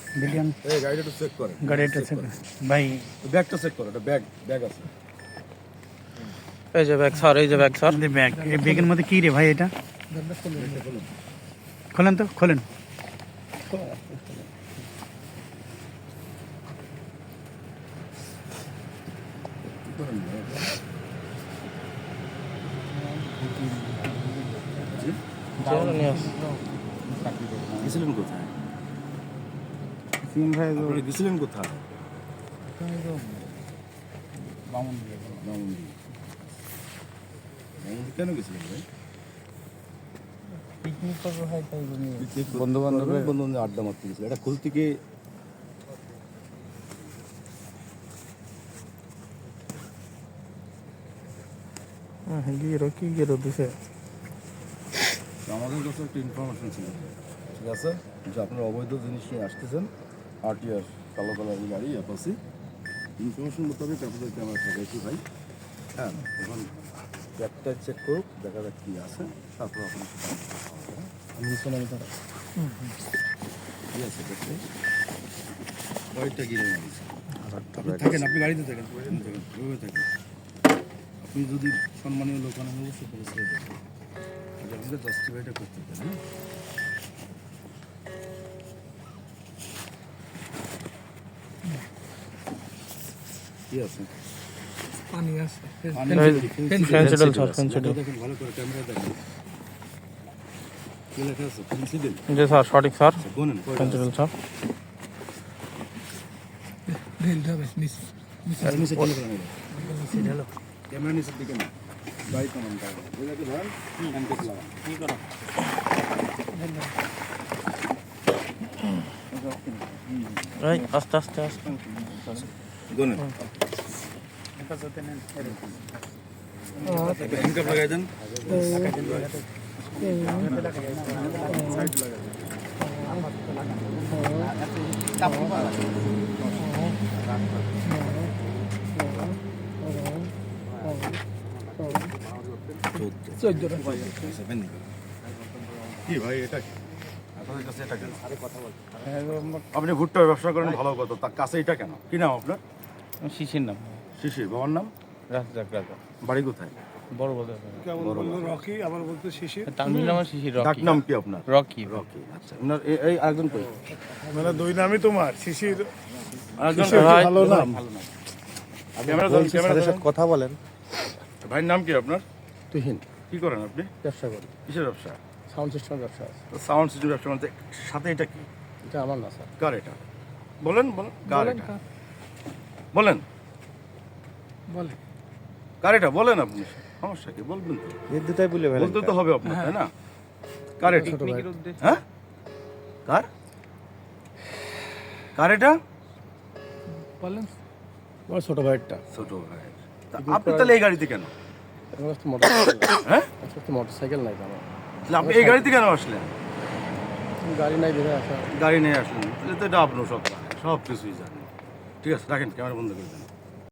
Billion এই গাড়িটা একটু চেক করে, গাড়িটা চেক ভাই, ব্যাগটা চেক করো, এটা ব্যাগ আছে। এই যে ব্যাগ স্যার, এই যে ব্যাগ স্যার। ব্যাগ, এই ব্যাগের মধ্যে কি রে ভাই এটা? খোলেন তো, খোলেন। গেছিলেন কোথায়? সিম ভাই আপনারা গেছিলেন কোথায়? বামুনদিয়া। কেন গেছিলেন ভাই? পিকনিক করবো ভাই, তাই বন্ধু-বান্ধবের আড্ডা মারতে গেছিল। এটা খুলতে কি গিয়ে দিছে। আমাদের কাছে একটা ইনফরমেশন ছিল, ঠিক আছে, যে আপনারা অবৈধ জিনিস নিয়ে আসতেছেন, আরটিআর কালো কালার গাড়ি অ্যাপাসি। ইনফরমেশন মোতাবেক আপনাদেরকে আমরা ঠেকাইছি ভাই। হ্যাঁ, এখন ব্যাগটা চেক করুক, দেখা যাক কী আছে, তারপর আপনি ঠিক আছে। দেখতে গাড়িটা গিয়ে মারিছে। আপনি থাকেন, আপনি গাড়িতে থাকেন, ওইভাবে থাকেন। আপনি যদি সম্মানীয় লোক হন, আমি অবশ্যই করে ছেড়ে দেবেন। আমাদের জাস্টিফাইটা করতে হবে, হ্যাঁ। কি আছে? পানি আছে, ফেন্সিডল স্যার, ফেন্সিডল। দেখেন ভালো করে, ক্যামেরা দেখেন। কি লেখা আছে? ফেন্সিডল। জি স্যার, সঠিক স্যার, গোনেন ফেন্সিডল স্যার। ঢেলতে হবে নিচে। নিচে ঢেলে ফেলেন। ক্যামেরা নিচের দিকে না, গাড়ি কমান গাড়ি ওইটাকে ধরেন, হ্যান্ডকেস লাগান। কি করো? এই আস্তে আস্তে আস্তে গোনেন। হ্যান্ডকাপ লাগাই দেন। কি ভাই, এটা কি আপনাদের কাছে? এটা কেন? আপনি ভুট্টার ব্যবসা করেন, ভালো কথা, তার কাছে এটা কেন? কি নাম আপনার? শিশির নাম শিশির। বাবার নাম? রাজাক রাজা। বাড়ি কোথায়? বড় বড় রকি, আবার বলতে শিশির। তামিল নাম শিশির, ডাক রকি। নাম কি আপনার? রকি। রকি, আচ্ছা। আপনার এই আরেকজন কই? মানে দুই নামই তোমার, শিশির। আরেকজন ভাই, ভালো নাম। ক্যামেরা ধরেন। কথা বলেন। ভাইয়ের নাম কি আপনার? তুহিন কি করেন আপনি? ব্যবসা করি, কিসের ব্যবসা? সাউন্ড সিস্টেমের ব্যবসা আছে। সাউন্ড সিস্টেম ব্যবসা মানে সাথে এটা কি? এটা আমার না স্যার। কার এটা? বলেন বলেন, কার এটা? বলেন, বলে কার এটা বলেন আপনি। সমস্যা কি? বলবেন তো, এই দুটাই বলে ফেলেন। বলতে তো হবে আপনার, তাই না? কার এটা? ছোট ভাই। হ্যাঁ, কার কার এটা? বলেন। আমার ছোট ভাইয়েরটা। ছোট ভাই। তা আপনি তাহলে এই গাড়িতে কেন? আমার কাছে মোটরসাইকেল নাই। হ্যাঁ, আমার কাছে মোটরসাইকেল নাই আমার। তাহলে আপনি এই গাড়িতে কেন আসলেন? গাড়ি নাই বেরোয় আসা। গাড়ি নিয়ে আসলেন, তাহলে তো এটা আপনার সব কিছুই জানেন। ঠিক আছে, রাখেন, ক্যামেরা বন্ধ করে দেন।